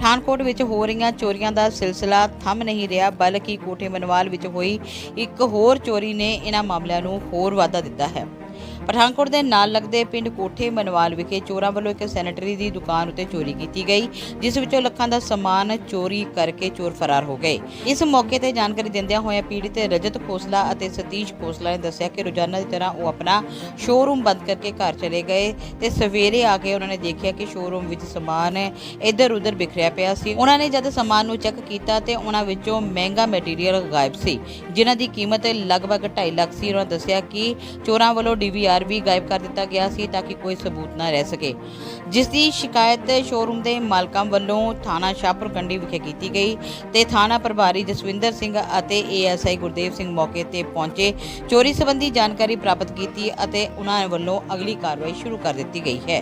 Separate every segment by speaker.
Speaker 1: ਪਠਾਨਕੋਟ ਵਿੱਚ ਹੋ ਰਹੀਆਂ ਚੋਰੀਆਂ ਦਾ ਸਿਲਸਿਲਾ ਥੰਮ ਨਹੀਂ ਰਿਹਾ, ਬਲਕਿ ਕੋਠੇ ਮਨਵਾਲ ਵਿੱਚ ਹੋਈ ਇੱਕ ਹੋਰ ਚੋਰੀ ਨੇ ਇਹਨਾਂ ਮਾਮਲਿਆਂ ਨੂੰ ਹੋਰ ਵਾਧਾ ਦਿੱਤਾ ਹੈ। ਪਠਾਨਕੋਟ ਦੇ ਨਾਲ ਲੱਗਦੇ ਪਿੰਡ ਕੋਠੇ ਮਨਵਾਲ ਵਿਖੇ ਚੋਰਾਂ ਵੱਲੋਂ ਇੱਕ ਸੈਨੇਟਰੀ ਦੀ ਦੁਕਾਨ ਉੱਤੇ ਚੋਰੀ ਕੀਤੀ ਗਈ, ਜਿਸ ਵਿੱਚੋਂ ਲੱਖਾਂ ਦਾ ਸਮਾਨ ਚੋਰੀ ਕਰਕੇ ਚੋਰ ਫਰਾਰ ਹੋ ਗਏ। ਇਸ ਮੌਕੇ ਤੇ ਜਾਣਕਾਰੀ ਦਿੰਦਿਆਂ ਹੋਇਆਂ ਪੀੜਿਤ ਰਜਤ ਖੋਸਲਾ ਅਤੇ ਸਤੀਸ਼ ਖੋਸਲਾ ਨੇ ਦੱਸਿਆ ਕਿ ਰੋਜ਼ਾਨਾ ਦੀ ਤਰ੍ਹਾਂ ਉਹ ਆਪਣਾ ਸ਼ੋਰੂਮ ਬੰਦ ਕਰਕੇ ਘਰ ਚਲੇ ਗਏ ਤੇ ਸਵੇਰੇ ਆ ਕੇ ਉਹਨਾਂ ਨੇ ਦੇਖਿਆ ਕਿ ਸ਼ੋਰੂਮ ਵਿੱਚ ਸਮਾਨ ਇੱਧਰ ਉੱਧਰ ਬਿਖਰਿਆ ਪਿਆ ਸੀ। ਉਹਨਾਂ ਨੇ ਜਦ ਸਮਾਨ ਨੂੰ ਚੈੱਕ ਕੀਤਾ ਤੇ ਉਹਨਾਂ ਵਿੱਚੋਂ ਮਹਿੰਗਾ ਮਟੀਰੀਅਲ ਗਾਇਬ ਸੀ, ਜਿਨ੍ਹਾਂ ਦੀ ਕੀਮਤ ਲਗਭਗ 2.5 ਲੱਖ ਸੀ। ਉਹਨਾਂ ਦੱਸਿਆ ਕਿ ਚੋਰਾਂ ਵੱਲੋਂ DVR ਵੀ ਗਾਇਬ ਕਰ ਦਿੱਤਾ ਗਿਆ ਸੀ ਤਾਂ ਕਿ ਕੋਈ ਸਬੂਤ ਨਾ ਰਹਿ ਸਕੇ, ਜਿਸ ਦੀ ਸ਼ਿਕਾਇਤ ਸ਼ੋਰੂਮ ਦੇ ਮਾਲਕਾਂ ਵੱਲੋਂ ਥਾਣਾ ਸ਼ਾਹਪੁਰ ਕੰਡੀ ਵਿਖੇ ਕੀਤੀ ਗਈ ਤੇ ਥਾਣਾ ਪ੍ਰਭਾਰੀ ਜਸਵਿੰਦਰ ਸਿੰਘ ਅਤੇ ASI ਗੁਰਦੇਵ ਸਿੰਘ ਮੌਕੇ ਤੇ ਪਹੁੰਚੇ, ਚੋਰੀ ਸੰਬੰਧੀ ਜਾਣਕਾਰੀ ਪ੍ਰਾਪਤ ਕੀਤੀ ਅਤੇ ਉਹਨਾਂ ਵੱਲੋਂ ਅਗਲੀ ਕਾਰਵਾਈ ਸ਼ੁਰੂ ਕਰ ਦਿੱਤੀ ਗਈ ਹੈ।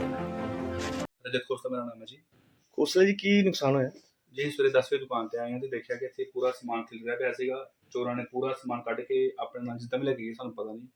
Speaker 2: ਰਜਤ ਖੋਸਲਾ ਮੇਰਾ ਨਾਮ ਹੈ ਜੀ।
Speaker 3: ਖੋਸਲਾ ਜੀ, ਕੀ ਨੁਕਸਾਨ ਹੋਇਆ?
Speaker 2: ਜੀ ਸਵੇਰੇ 10 ਵਜੇ ਦੁਕਾਨ ਤੇ ਆਏ ਹਾਂ ਤੇ ਦੇਖਿਆ ਕਿ ਇੱਥੇ ਪੂਰਾ ਸਮਾਨ ਖਿਲ ਰਿਹਾ ਪਿਆ ਸੀਗਾ। ਚੋਰਾਂ ਨੇ ਪੂਰਾ ਸਮਾਨ ਕੱਢ ਕੇ ਆਪਣੇ ਨਾਲ ਜਿੱਦਾਂ ਵੀ ਲੈ ਕੇ ਗਏ, ਸਾਨੂੰ ਪਤਾ ਨਹੀਂ।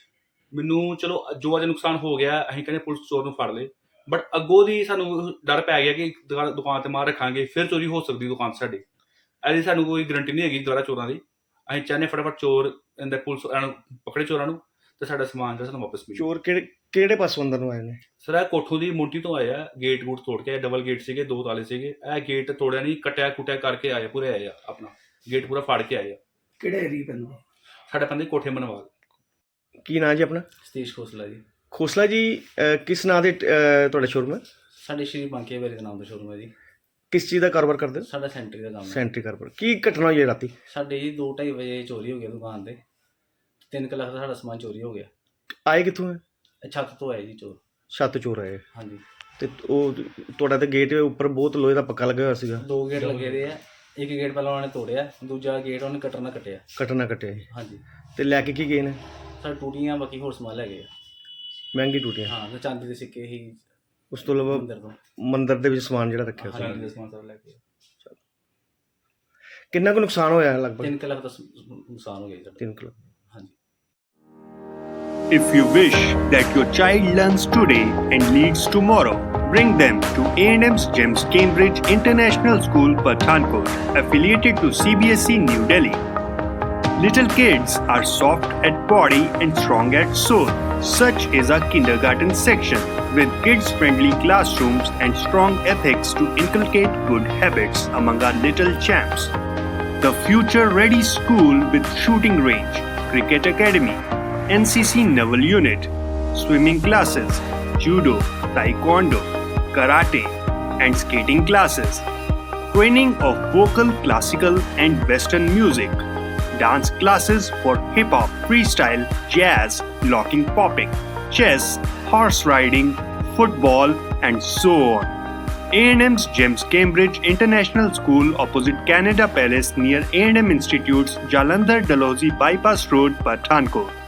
Speaker 2: ਮੈਨੂੰ ਚਲੋ ਜੋ ਅੱਜ ਨੁਕਸਾਨ ਹੋ ਗਿਆ, ਅਸੀਂ ਕਹਿੰਦੇ ਪੁਲਿਸ ਚੋਰ ਨੂੰ ਫੜ ਲਏ, ਬਟ ਅੱਗੋਂ ਦੀ ਸਾਨੂੰ ਡਰ ਪੈ ਗਿਆ ਕਿ ਦੁਕਾਨ ਤੇ ਮਾਰ ਰੱਖਾਂਗੇ ਫਿਰ ਚੋਰੀ ਹੋ ਸਕਦੀ ਦੁਕਾਨ ਸਾਡੀ। ਇਹਦੀ ਸਾਨੂੰ ਕੋਈ ਗਰੰਟੀ ਨਹੀਂ ਹੈਗੀ ਦੁਬਾਰਾ ਚੋਰਾਂ ਦੀ। ਅਸੀਂ ਚਾਹੁੰਦੇ ਫਟਾਫਟ ਚੋਰ ਇਹਦੇ ਪੁਲਿਸ ਪਕੜੇ ਚੋਰਾਂ ਨੂੰ ਤੇ ਸਾਡਾ ਸਮਾਨ ਜਿਹੜਾ ਸਾਨੂੰ ਵਾਪਸ ਮਿਲੇ।
Speaker 3: ਚੋਰ ਕਿਹੜੇ ਪਾਸੋਂ ਅੰਦਰ ਨੂੰ ਆਏ ਨੇ?
Speaker 2: ਸਰ ਇਹ ਕੋਠੋਂ ਦੀ ਮੋਟੀ ਤੋਂ ਆਏ ਆ, ਗੇਟ ਗੂਟ ਤੋੜ ਕੇ। ਡਬਲ ਗੇਟ ਸੀਗੇ, 2 ਤਾਲੇ ਸੀਗੇ। ਇਹ ਗੇਟ ਤੋੜਿਆ ਨਹੀਂ, ਕੱਟਿਆ ਕੁੱਟਿਆ ਕਰਕੇ ਆਏ, ਪੂਰੇ ਆਏ ਆ, ਆਪਣਾ ਗੇਟ ਪੂਰਾ ਫਾੜ ਕੇ ਆਏ ਆ।
Speaker 4: ਕਿਹੜੇ ਏਰੀਆ ਪੈਂਦਾ?
Speaker 2: ਸਾਡੇ ਪੈਂਦੇ ਕੋਠੇ ਮਨਵਾਲ।
Speaker 3: ਕੀ ਨਾਂ ਜੀ ਆਪਣਾ?
Speaker 5: ਸਤੀਸ਼ ਖੋਸਲਾ ਜੀ।
Speaker 3: ਖੋਸਲਾ ਜੀ, ਕਿਸ ਨਾਂ ਦੇ ਤੁਹਾਡਾ ਸ਼ੋਰੂਮ ਹੈ?
Speaker 5: ਸਾਡੇ ਸ਼੍ਰੀ ਬਾਂਕੇ ਬਾਰੇ ਦੇ ਨਾਮ ਦਾ ਸ਼ੋਰੂਮ ਹੈ ਜੀ।
Speaker 3: ਕਿਸ ਚੀਜ਼ ਦਾ ਕਾਰੋਬਾਰ ਕਰਦੇ ਹੋ?
Speaker 5: ਸਾਡਾ ਸੈਂਟਰੀ ਦਾ ਕੰਮ ਹੈ।
Speaker 3: ਸੈਂਟਰੀ ਕਾਰੋਬਾਰ। ਕੀ ਘਟਨਾ ਹੋਈ ਹੈ ਰਾਤੀ?
Speaker 5: ਸਾਡੇ ਜੀ 2-2:30 ਵਜੇ ਚੋਰੀ ਹੋ ਗਿਆ ਦੁਕਾਨ ਤੇ। 3 ਲੱਖ ਦਾ ਸਾਡਾ ਸਮਾਨ ਚੋਰੀ ਹੋ ਗਿਆ।
Speaker 3: ਆਏ ਕਿੱਥੋਂ ਹੈ?
Speaker 5: ਇਹ ਛੱਤ ਤੋਂ ਆਏ ਜੀ ਚੋਰ।
Speaker 3: ਛੱਤ ਚੋਰ ਆਏ?
Speaker 5: ਹਾਂਜੀ।
Speaker 3: ਤੇ ਉਹ ਤੁਹਾਡਾ ਤੇ ਗੇਟ ਉੱਪਰ ਬਹੁਤ ਲੋਹੇ ਦਾ ਪੱਕਾ ਲੱਗਾ ਹੋਇਆ ਸੀਗਾ।
Speaker 5: 2 ਗੇਟ ਲੱਗੇ ਦੇ ਆ। ਇੱਕ ਗੇਟ ਪਹਿਲਾਂ ਉਹਨਾਂ ਨੇ ਤੋੜਿਆ, ਦੂਜਾ ਗੇਟ ਉਹਨੇ ਕੱਟਣਾ ਕੱਟਿਆ।
Speaker 3: ਕੱਟਿਆ ਜੀ।
Speaker 5: ਹਾਂਜੀ।
Speaker 3: ਤੇ ਲੈ ਕੇ ਕੀ ਗਏ ਨੇ?
Speaker 5: ਸਾਡੇ ਟੂਟੀਆਂ, ਬਾਕੀ ਹੋਰ ਸਮਾਨ ਲੈ ਗਏ ਆ।
Speaker 3: ਮਹਿੰਗੀ ਟੂਟੀਆਂ?
Speaker 5: ਹਾਂ, ਤੇ ਚਾਂਦੀ ਦੇ ਸਿੱਕੇ ਹੀ।
Speaker 3: ਉਸ ਤੋਂ ਇਲਾਵਾ
Speaker 5: ਮੰਦਰ ਤੋਂ
Speaker 3: ਮੰਦਿਰ ਦੇ ਵਿੱਚ ਸਮਾਨ ਜਿਹੜਾ ਰੱਖਿਆ ਸੀ।
Speaker 2: ਚਾਂਦੀ ਦਾ ਸਮਾਨ ਸਾਰਾ ਲੈ ਕੇ।
Speaker 3: ਕਿੰਨਾ ਕੁ ਨੁਕਸਾਨ ਹੋਇਆ ਲਗਭਗ?
Speaker 5: 3 ਲੱਖ ਦਾ ਨੁਕਸਾਨ ਹੋ ਗਿਆ ਜੀ ਸਾਡਾ।
Speaker 3: 3 ਲੱਖ।
Speaker 5: ਹਾਂਜੀ।
Speaker 6: If you wish that your child learns today and leads tomorrow, bring them to A&M's GEMS Cambridge International School, Pathankot, affiliated to CBSE New Delhi. Little kids are soft at body and strong at soul. Such is our kindergarten section, with kids-friendly classrooms and strong ethics to inculcate good habits among our little champs. The future-ready school with shooting range, cricket academy, NCC Naval Unit, swimming classes, judo, taekwondo, karate, and skating classes. Training of vocal, classical, and western music. Dance classes for hip-hop, freestyle, jazz, locking popping, chess, horse riding, football, and so on. A&M's GEMS Cambridge International School opposite Canada Palace near A&M Institute's Jalandhar Dalhousie Bypass Road, Pathankot.